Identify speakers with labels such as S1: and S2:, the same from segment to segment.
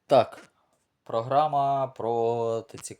S1: Так, програма про ці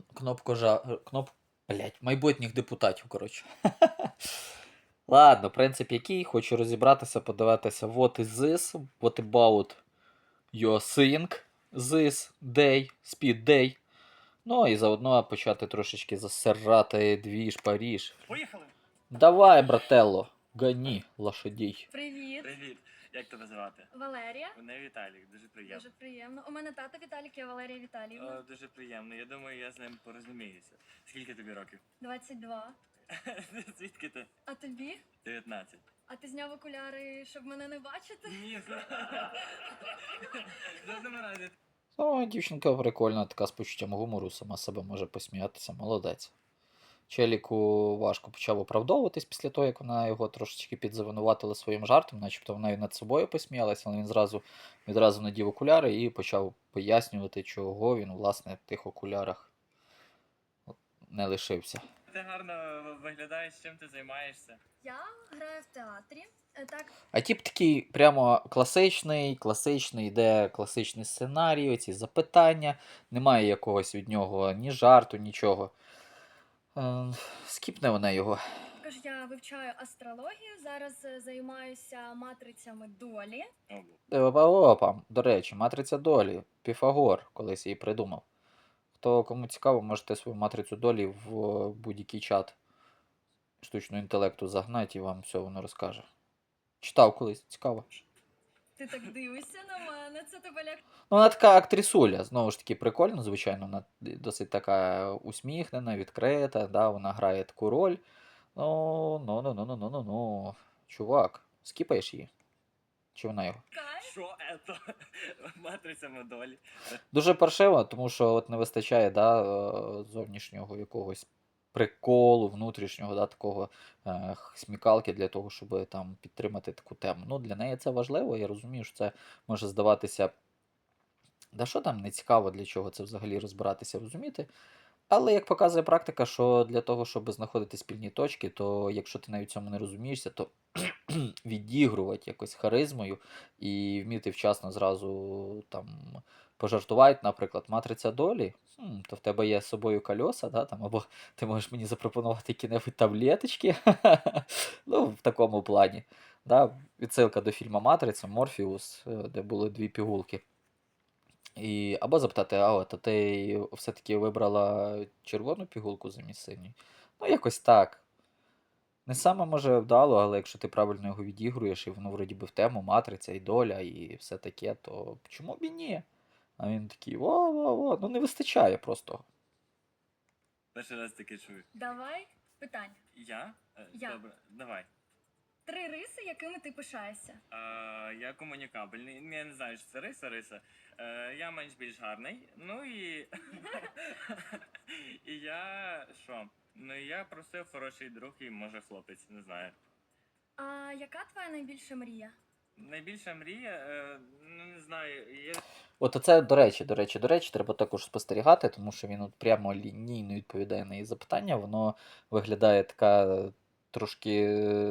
S1: блять, майбутніх депутатів, коротше. Ладно, принцип який, хочу розібратися, подивитися what is this, what about your thing this day, speed day. Ну і заодно почати трошечки засирати двіж Паріж.
S2: Поїхали!
S1: Давай, брателло, гоні лошадей.
S3: Привіт,
S2: Привіт! Як тебе звати?
S3: Валерія.
S2: Мене Віталік, дуже приємно.
S3: Дуже приємно. У мене тато Віталік, я Валерія Віталіївна.
S2: Дуже приємно. Я думаю, я з ним порозуміюся. Скільки тобі років?
S3: 22.
S2: Звідки ти?
S3: А тобі?
S2: 19.
S3: А ти зняв окуляри, щоб мене не бачити?
S2: Ні, в жодному разі.
S1: Ну, дівчинка прикольна, така з почуттям гумору, сама себе може посміятися, молодець. Челіку важко почав оправдовуватись після того, як вона його трошечки підзавинуватила своїм жартом, начебто вона і над собою посміялася, але він відразу надів окуляри і почав пояснювати, чого він, власне, в тих окулярах не лишився.
S2: Ти гарно виглядаєш, чим ти займаєшся.
S3: Я граю в театрі. Так,
S1: А тип такий прямо класичний, йде класичний сценарій, оці запитання, немає якогось від нього ні жарту, нічого. Скіпне вона його.
S3: також я вивчаю астрологію. Зараз займаюся матрицями долі.
S1: Опа, до речі, матриця долі. Піфагор колись її придумав. Кому цікаво, можете свою матрицю долі в будь-який чат штучного інтелекту загнати і вам все воно розкаже. Читав колись, цікаво.
S3: Ти так дивишся на мене, це тебе ляк.
S1: Ну, вона така актрисуля, знову ж таки, прикольно, звичайно, вона досить така усміхнена, відкрита, да, вона грає таку роль. Ну. Чувак, скіпаєш її? Чи вона його?
S2: Що це? Матрицями долі.
S1: Дуже паршиво, тому що от не вистачає зовнішнього якогось приколу, внутрішнього, такого смікалки для того, щоб там підтримати таку тему. Ну, для неї це важливо, я розумію, що це може здаватися. Да що там не цікаво, для чого це взагалі розбиратися, розуміти. Але як показує практика, що для того, щоб знаходити спільні точки, то якщо ти навіть цьому не розумієшся, то відігрувати якось харизмою і вміти вчасно зразу там пожартувати, наприклад, матриця долі, то в тебе є з собою кольоса, да, там, або ти можеш мені запропонувати які-небудь таблеточки, ну, в такому плані. Да, відсилка до фільму Матриця, Морфіус, де були дві пігулки. Або запитати, а ти все-таки вибрала червону пігулку замість синьої? Ну, якось так. Не саме може вдало, але якщо ти правильно його відігруєш, і воно вроді би в тему, матриця і доля, і все таке, то чому б і ні? А він такий, во, ну не вистачає просто.
S2: Перший раз таке чую.
S3: Давай питання.
S2: Я?
S3: Я.
S2: Добре, давай.
S3: 3 риси, якими ти пишаєшся.
S2: Я комунікабельний. Я не знаю, що це риса. Я менш-більш гарний. Ну і. І я. Що? Ну і я просив хороший друг і може хлопець, не знаю.
S3: А яка твоя найбільша мрія?
S2: Найбільша мрія, ну не знаю, є.
S1: От оце, до речі, треба також спостерігати, тому що він от прямо лінійно відповідає на її запитання, воно виглядає така трошки.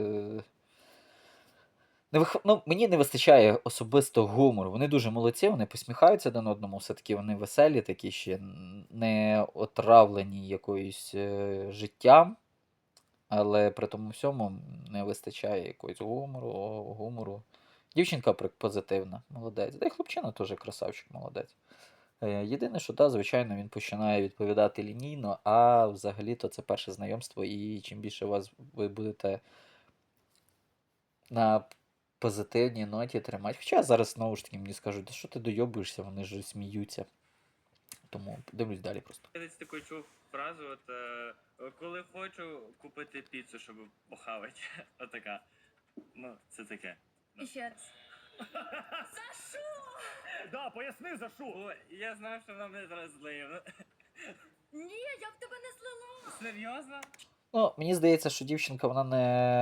S1: Ну, мені не вистачає особисто гумору. Вони дуже молодці, вони посміхаються один одному, все-таки вони веселі, такі ще не отравлені якоюсь життям, але при тому всьому не вистачає якогось гумору. Дівчинка позитивна, молодець. Да і хлопчина теж красавчик, молодець. Єдине, що звичайно, він починає відповідати лінійно, а взагалі-то це перше знайомство, і чим більше ви будете на позитивній ноті тримати. Хоча зараз знову ж таки мені скажуть, да що ти дойобуєшся, вони ж сміються. Тому дивлюсь далі просто.
S2: Я десь таку чув фразу, коли хочу купити піцу, щоб похавати. Отака. Ну, це таке.
S3: І ще раз. За що?
S2: Да, поясни за що. О, я знав, що вона мене зараз злиє.
S3: Ні, я б тебе не злила.
S2: Серйозно?
S1: Ну, мені здається, що дівчинка вона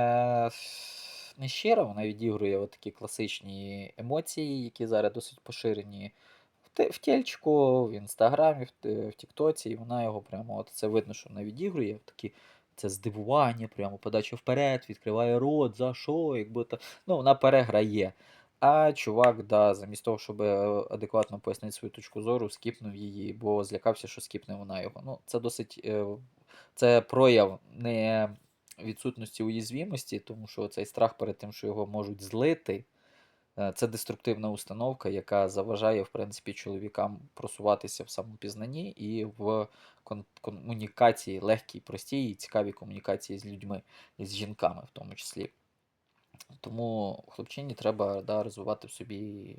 S1: не щира, вона відігрує такі класичні емоції, які зараз досить поширені в тельчику, в інстаграмі, в Тіктоці, і вона його прямо, це видно, що вона відігрує, такі, це здивування, прямо подача вперед, відкриває рот, за що, якби то. Ну, вона переграє. А чувак, да, замість того, щоб адекватно пояснити свою точку зору, скіпнув її, бо злякався, що скіпне вона його. Ну, це досить. Це прояв не відсутності уязвімості, тому що цей страх перед тим, що його можуть злити, це деструктивна установка, яка заважає, в принципі, чоловікам просуватися в самопізнанні і в комунікації, легкій, простій і цікавій комунікації з людьми і з жінками в тому числі. Тому хлопчині треба, да, розвивати в собі,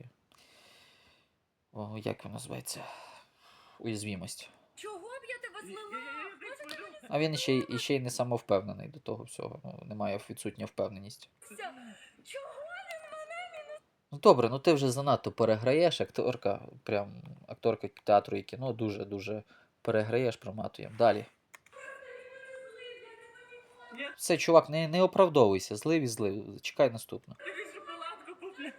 S1: як він називається, уязвімість.
S3: Чого б я тебе злила?
S1: А він ще й не самовпевнений до того всього. Ну, немає відсутня впевненість.
S3: Чого?
S1: Ну добре, ну ти вже занадто переграєш, акторка театру і кіно дуже-дуже переграєш, проматуємо. Далі.
S2: Ні,
S1: Все, чувак, не оправдовуйся, злив і злив. Чекай наступну.
S2: тобі шоколадку куплю.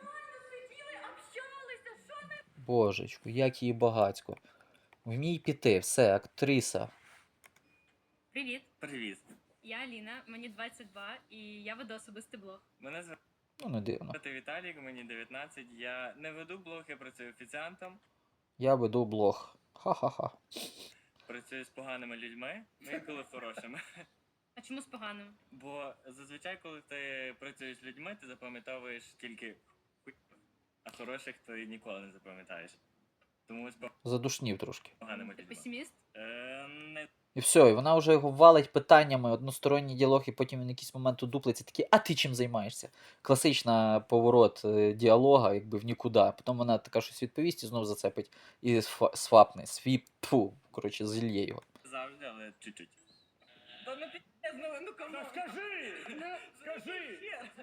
S3: Общалися, що?
S1: Божечку, як її багацько. Вмій піти, все, актриса.
S4: Привіт,
S2: Привіт.
S4: я Аліна, мені 22 і я веду особистий блог.
S2: Мене звати
S1: Ну, не дивно.
S2: Віталік, мені 19. Я не веду блог, я працюю офіціантом,
S1: Я веду блог. Ха-ха-ха.
S2: працюю з поганими людьми, ну інколи хорошими.
S4: А чому з поганим?
S2: Бо зазвичай, коли ти працюєш з людьми, ти запам'ятовуєш тільки хуй, а хороших ти ніколи не запам'ятаєш. Тому з
S1: Задушнів трошки.
S2: поганими
S4: Ти
S2: людьми.
S4: песиміст?
S2: Не
S1: І все, і вона вже його валить питаннями, односторонній діалог, і потім він в якийсь момент удуплиться такий, а ти чим займаєшся? Класична поворот діалога, якби в нікуди. Потім вона така щось відповість і знов зацепить і свапне, коротше, зільє його.
S2: завжди, але чуть-чуть. Та не пізно, ну кому?
S5: Скажи! Скажи!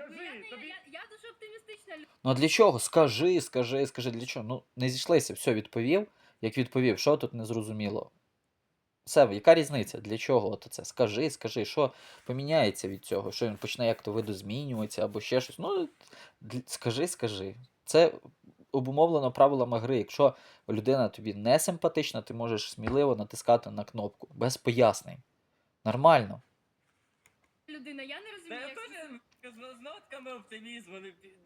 S4: Я дуже оптимістична людина.
S1: Ну а для чого? Скажи, для чого? Ну, не зійшлися, все, відповів. Як відповів, що тут незрозуміло? Все, яка різниця? Для чого от це? Скажи, що поміняється від цього? Що він почне як-то видозмінюватися або ще щось. Ну, скажи. Це обумовлено правилами гри. Якщо людина тобі не симпатична, ти можеш сміливо натискати на кнопку. Без пояснень. Нормально.
S4: Людина, я не
S2: Та
S4: розумію,
S2: я
S4: як це...
S2: теж з нотками оптимізму.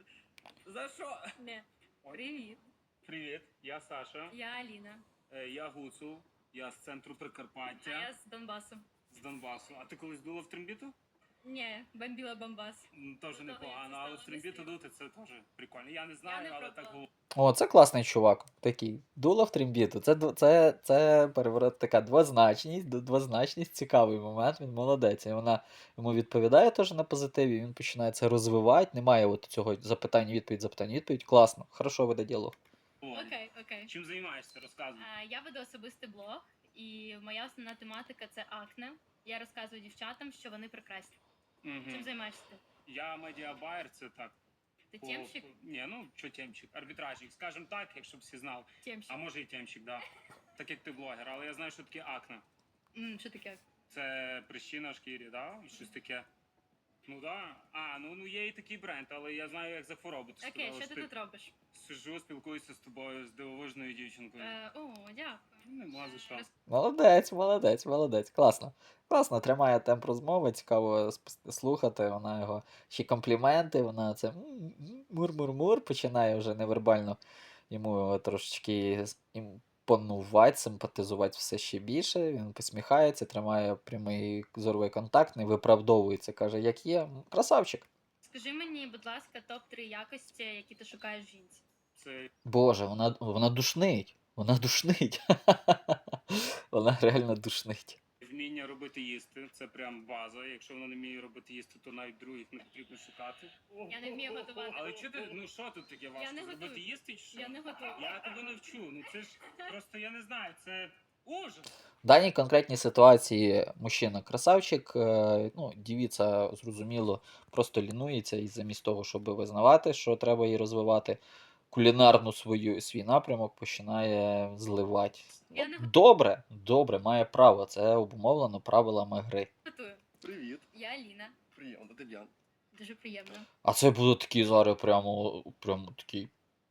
S2: За що?
S4: Не. Привіт,
S5: Привіт, я Саша,
S4: я Аліна,
S5: я Гуцул, я з центру
S4: а
S5: Прикарпаття,
S4: я з Донбасу.
S5: з Донбасу. А ти колись дула в трембіту?
S4: Ні, бомбіла Бомбас.
S5: Теж
S4: Ну,
S5: непогано,
S4: я
S5: але в
S4: стала
S5: трембіту
S4: весело.
S5: дути це теж прикольно. Я не знаю,
S4: не
S5: але
S4: пробувала.
S5: так було.
S1: О, це класний чувак. Такий. Дуло в трембіту. Це переворот, така двозначність, цікавий момент. Він молодець. І вона йому відповідає теж на позитиві, він починає це розвивати. Немає от цього запитання-відповідь. Класно. Хорошо веде діалог.
S4: Окей.
S5: Чим займаєшся? Розказуй.
S4: Я веду особистий блог, і моя основна тематика це акне. Я розказую дівчатам, що вони прекрасні. Чим
S5: Мгм.
S4: займаєшся ти?
S5: Я медіабайер, це так.
S4: Ти темщик?
S5: Ні, ну що темщик? Арбітражник, скажімо так, якщо б всі знали.
S4: Темщик.
S5: А може і темщик, да. Так як ти блогер, але я знаю, що таке акне.
S4: Що таке?
S5: Це прищі на шкірі, да? І щось таке. Ну да. Ну є і такий бренд, але я знаю, як за хворобу. Ти
S4: Окей,
S5: сказала,
S4: що ти тут робиш?
S5: Сижу, спілкуюся з тобою, з дивовижною дівчинкою.
S4: Дякую.
S5: Нема за що.
S1: Молодець. Класно тримає темп розмови, цікаво слухати. Вона його ще компліменти, вона це мур-мур-мур, починає вже невербально йому трошечки імпонувати, симпатизувати все ще більше. Він посміхається, тримає прямий зоровий контакт, не виправдовується, каже, як є. Красавчик.
S4: Скажи мені, будь ласка, топ-3 якості, які ти шукаєш в жінці.
S5: Це
S1: Боже, вона душнить. Вона душнить. Вона реально душнить.
S5: вміння робити їсти, це прям база. Якщо вона не вміє робити їсти, то навіть других не потрібно шукати.
S4: Я не вмію готувати.
S5: Але що ти, ну що тут таке важко?
S4: не
S5: Зробити
S4: готую.
S5: їсти чи що?
S4: Я не готую.
S5: Я тебе навчу. Ну це ж просто я не знаю, це ужас.
S1: В даній конкретній ситуації мужчина красавчик, дівіця, зрозуміло, просто лінується і замість того, щоб визнавати, що треба її розвивати, кулінарну свій напрямок починає зливати.
S4: Я не
S1: Добре, має право. Це обумовлено правилами гри.
S4: Готую.
S6: Привіт,
S4: Я Аліна.
S6: приємно, Дем'ян.
S4: Дуже приємно.
S1: А це буде такий зараз прямо такий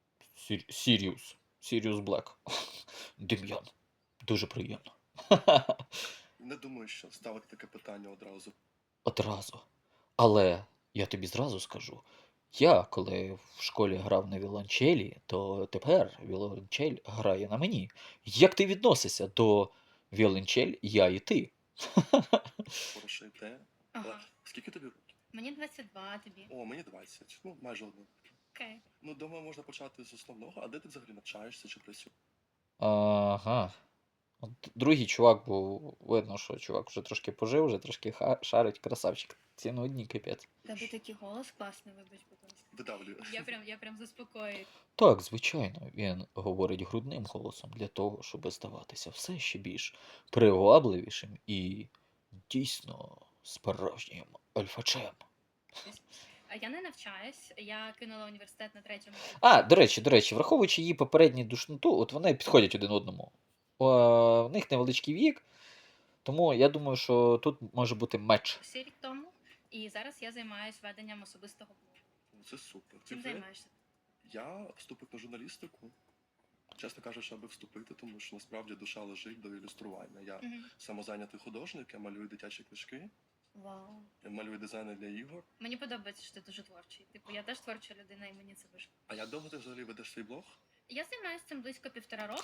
S1: Sirius Black. Дем'ян. Дуже приємно.
S6: Не думаю, що ставити таке питання одразу.
S1: Одразу. Але я тобі зразу скажу, Я, коли в школі грав на віолончелі, то тепер віолончель грає на мені. Як ти відносишся до віолончель, я і ти?
S6: Хороша ідея. Але
S4: Ага.
S6: скільки тобі років?
S4: Мені 22, тобі.
S6: О, мені 20. Ну, майже одно.
S4: Окей.
S6: Ну, думаю, можна почати з основного. А де ти взагалі навчаєшся чи працюєш?
S1: Ага. От другий чувак був, видно, що чувак вже трошки пожив, вже трошки шарить, красавчик. Ці ну одні капець.
S4: Тебе такий голос класний, вибач, будь ласка.
S6: Видавлюю.
S4: Я прям заспокоюю.
S1: Так, звичайно, він говорить грудним голосом для того, щоб здаватися все ще більш привабливішим і дійсно справжнім альфачем.
S4: А я не навчаюсь, я кинула університет на 3-му курсі.
S1: А, до речі, враховуючи її попередню душноту, от вони підходять один одному. В них невеличкий вік, тому я думаю, що тут може бути меч.
S4: Рік тому. І зараз я займаюся веденням особистого блогу.
S6: Ну, це супер.
S4: Чим займаєшся?
S6: Я вступив на журналістику. Чесно кажучи, аби вступити, тому що насправді душа лежить до ілюстрування. Я
S4: Мгм.
S6: самозайнятий художник, я малюю дитячі книжки,
S4: Вау.
S6: я малюю дизайни для ігор.
S4: Мені подобається, що ти дуже творчий. Типу, я теж творча людина, і мені це важко.
S6: А як довго ти взагалі ведеш свій блог?
S4: Я займаюся цим близько 1,5 року.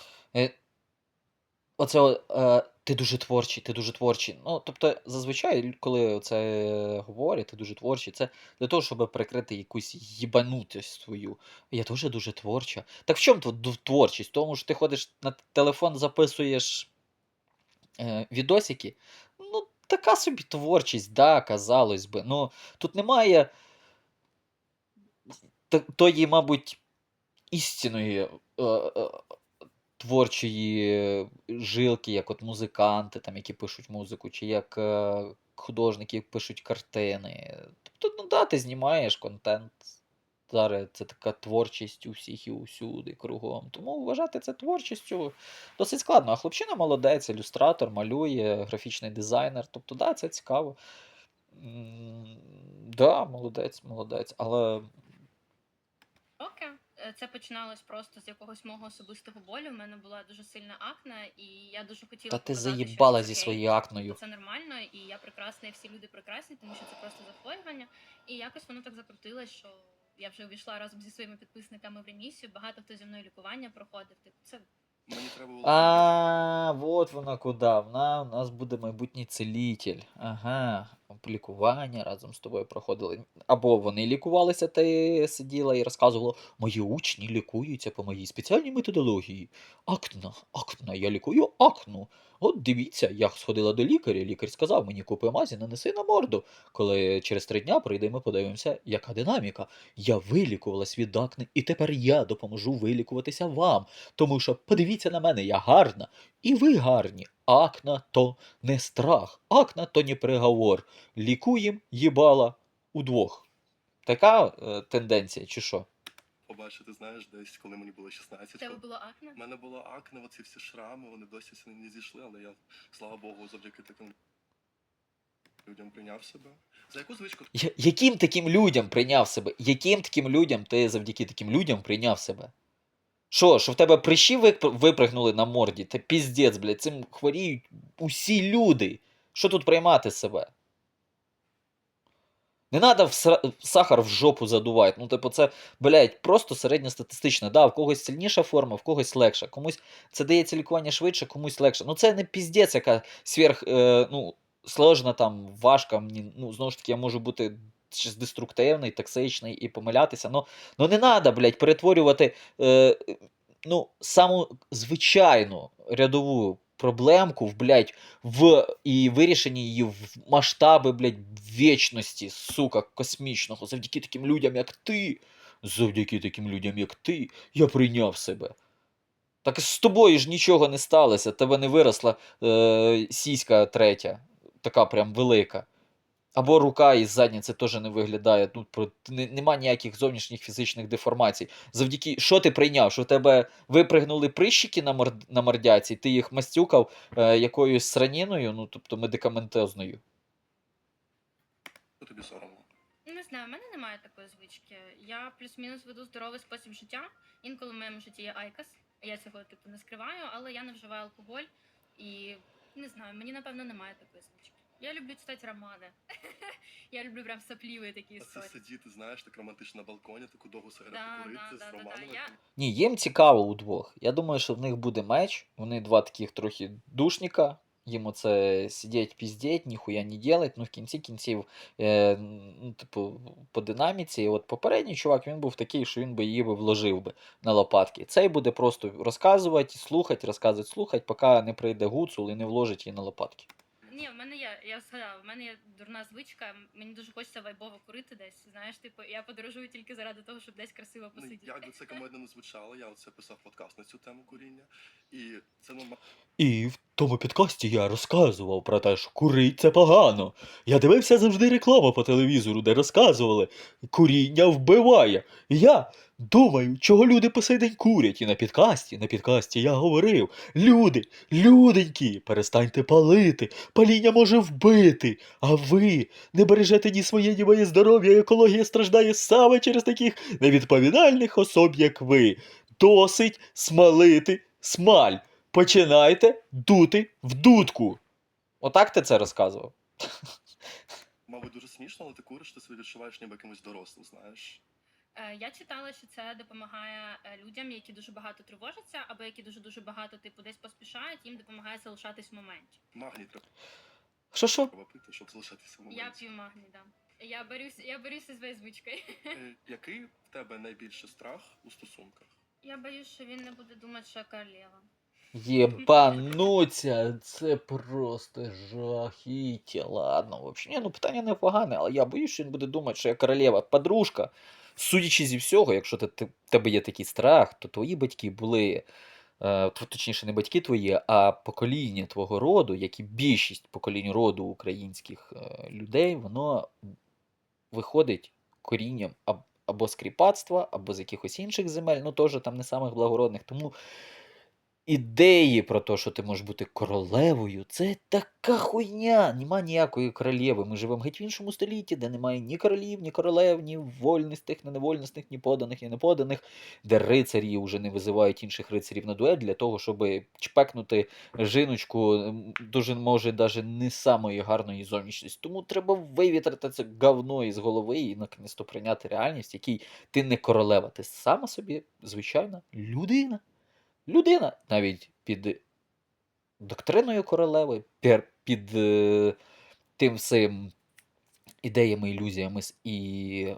S1: Оце ти дуже творчий, ти дуже творчий. Ну, тобто, зазвичай, коли це говорять, ти дуже творчий, це для того, щоб прикрити якусь їбанутість свою. Я теж дуже творча. Так в чому тут творчість? В тому що ти ходиш на телефон, записуєш відосики. Ну, така собі творчість, да, казалось би. Ну, тут немає тої, мабуть, істинної творчої жилки, як от музиканти, там, які пишуть музику, чи як художники, які пишуть картини. Тобто, ну да, ти знімаєш контент. Зараз це така творчість у всіх і усюди кругом. Тому вважати це творчістю досить складно. А хлопчина молодець, ілюстратор, малює, графічний дизайнер. Тобто, да, це цікаво. Да, молодець, молодець. Але
S4: Окей. Це починалось просто з якогось мого особистого болю. У мене була дуже сильна акне, і я дуже хотіла
S1: та ти
S4: показати, що
S1: заїбала
S4: це
S1: зі
S4: окей,
S1: своєю акною.
S4: це нормально, і я прекрасна, і всі люди прекрасні, тому що це просто захворювання. І якось воно так закрутилось, що я вже увійшла разом зі своїми підписниками в ремісію. Багато хто зі мною лікування проходив. Типу, це
S6: Мені треба було.
S1: А, вот вона куди. Вона у нас буде майбутній целитель. Ага. Лікування разом з тобою проходили. Або вони лікувалися, ти сиділа і розказувала, мої учні лікуються по моїй спеціальній методології. Акна, я лікую акну. От дивіться, я сходила до лікаря, лікар сказав мені, купи мазі, нанеси на морду. Коли через 3 дня прийдемо, подивимося, яка динаміка. Я вилікувалась від акни, і тепер я допоможу вилікуватися вам. Тому що подивіться на мене, я гарна, і ви гарні. Акна то не страх, акна то не приговор. Лікуєм їбала удвох. Така тенденція, чи що?
S6: Побачити, знаєш, десь, коли мені було 16.
S4: в тебе було акне?
S6: У мене було акне, оці всі шрами, вони досі не зійшли, але я, слава Богу, завдяки таким людям прийняв себе. За яку звичку
S1: Яким таким людям прийняв себе? Яким таким людям ти завдяки таким людям прийняв себе? Що в тебе прищі випригнули на морді? Та піздець, блядь, цим хворіють усі люди. Що тут приймати себе? Не треба сахар в жопу задувати. Ну, типу, це, блядь, просто середньостатистично. Да, в когось сильніша форма, в когось легша. Комусь це дається лікування швидше, комусь легше. Ну, це не піздець, яка сложна, там, важка. Мені, ну, знову ж таки, я можу бути щось деструктивний, токсичний і помилятися. Ну не треба, блядь, перетворювати саму звичайну рядову проблемку і вирішення її в масштаби, блядь, вічності, сука, космічного. Завдяки таким людям, як ти, я прийняв себе. Так з тобою ж нічого не сталося, тебе не виросла сіська третя, така прям велика. Або рука із задниці теж не виглядає. Нема ніяких зовнішніх фізичних деформацій. Завдяки, що ти прийняв? Що в тебе випригнули прищики на мордяці, ти їх мастюкав якоюсь сраніною, тобто медикаментозною.
S6: тобі соромно?
S4: Не знаю, в мене немає такої звички. Я плюс-мінус веду здоровий спосіб життя. Інколи в моєму житті є айкос. Я цього типу не скриваю, але я не вживаю алкоголь. І не знаю, мені напевно немає такої звички. Я люблю читати романи. Я люблю прям сопливі такі
S6: А це
S4: історії.
S6: сидіти, знаєш, так романтично на балконі, таку довгу сигарету
S4: Да,
S6: курити
S4: да,
S6: з
S4: да, да, да.
S6: романами.
S4: Я...
S1: Ні, їм цікаво удвох. Я думаю, що в них буде меч. Вони два таких трохи душніка. Їм оце сидіть, піздіть, ніхуя не делать. Ну, в кінці кінців, ну, типу, по динаміці. От попередній чувак, він був такий, що він би її би вложив би на лопатки. Цей буде просто розказувати, слухати, поки не прийде гуцул і не вложить її на лопатки.
S4: Ні, в мене є, я згадала, в мене є дурна звичка, мені дуже хочеться вайбово курити десь. Знаєш, типу, я подорожую тільки заради того, щоб десь красиво
S6: Ну,
S4: посидіти.
S6: як би це комедно не звучало, я оце писав подкаст на цю тему куріння. І це нормально.
S1: І в тому підкасті я розказував про те, що курить це погано. Я дивився завжди рекламу по телевізору, де розказували, куріння вбиває. І я думаю, чого люди по сей день курять. І на підкасті я говорив, люденькі, перестаньте палити, паління може вбити. А ви не бережете ні своє, ні моє здоров'я, екологія страждає саме через таких невідповідальних особ, як ви. Досить смалити смаль. Починайте дути в дудку. Отак ти це розказував?
S6: Мабуть, дуже смішно, але ти куриш, ти себе відчуваєш ніби якимось дорослим, знаєш.
S4: Я читала, що це допомагає людям, які дуже багато тривожаться, або які дуже багато типу десь поспішають, їм допомагає залишатись в моменті.
S6: Магній
S1: Що?
S6: треба пити, щоб залишатися в
S4: Я
S6: моменті.
S4: п'ю магній, да. Я борюся з своєю звичкою.
S6: Який в тебе найбільший страх у стосунках?
S4: Я боюсь, що він не буде думати, що я королева.
S1: Єбануться, це просто жахіття. Ладно, взагалі, ну питання непогане, але я боюсь, що він буде думати, що я королева подружка. Судячи зі всього, якщо в тебе є такий страх, то твої батьки були, точніше, не батьки твої, а покоління твого роду, як і більшість поколінь роду українських людей, воно виходить корінням або з кріпацтва, або з якихось інших земель, ну теж там не самих благородних. Тому ідеї про те, що ти можеш бути королевою, це така хуйня. Нема ніякої королеви. Ми живемо геть в іншому столітті, де немає ні королів, ні королев, ні вольностих, ні невольностих, ні поданих, ні неподаних, де рицарі вже не визивають інших рицарів на дуель для того, щоб чпекнути жіночку, дуже може навіть не самої гарної зовнішності. Тому треба вивітрити це говно із голови і наконець-то прийняти реальність, в якій ти не королева, ти сама собі звичайна людина. Людина навіть під доктриною королеви, під тим всім ідеями, ілюзіями і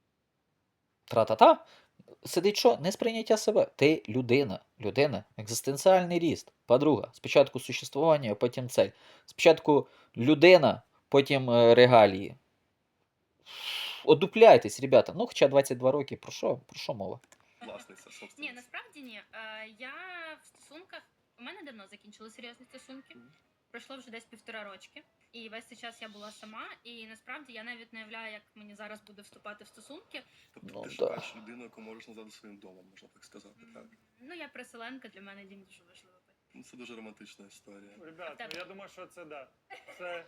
S1: тра-та-та, сидить що? Несприйняття себе. Ти людина, екзистенціальний ріст. Подруга, спочатку существування, а потім цель. Спочатку людина, потім регалії. Одупляйтесь, ребята. Ну, хоча 22 роки, про що мова?
S6: Власниця,
S4: Ні,
S6: собственниця.
S4: насправді ні. Я в стосунках, у мене давно закінчили серйозні стосунки. Пройшло вже десь 1,5 рочки. І весь цей час я була сама. І насправді я навіть не уявляю, як мені зараз буде вступати в стосунки.
S6: Тобто
S1: Ну,
S6: ти
S1: да.
S6: шукаєш людину, яку можеш назвати своїм домом, можна так сказати, так?
S4: Ну, я переселенка, для мене дім дуже важливий.
S6: Ну, це дуже романтична історія.
S5: Ребят,
S4: Так.
S5: ну я думаю, що це да. Це.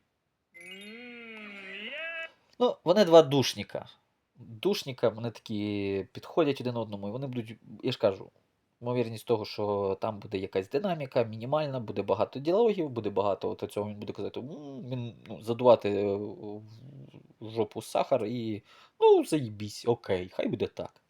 S5: Є!
S1: Ну, вони два душніка. Душніка, вони такі підходять один одному, і вони будуть, я ж кажу, ймовірність того, що там буде якась динаміка, мінімальна, буде багато діалогів, буде багато от цього, він буде казати, він, задувати в жопу сахар і, ну, заїбісь, окей, хай буде так.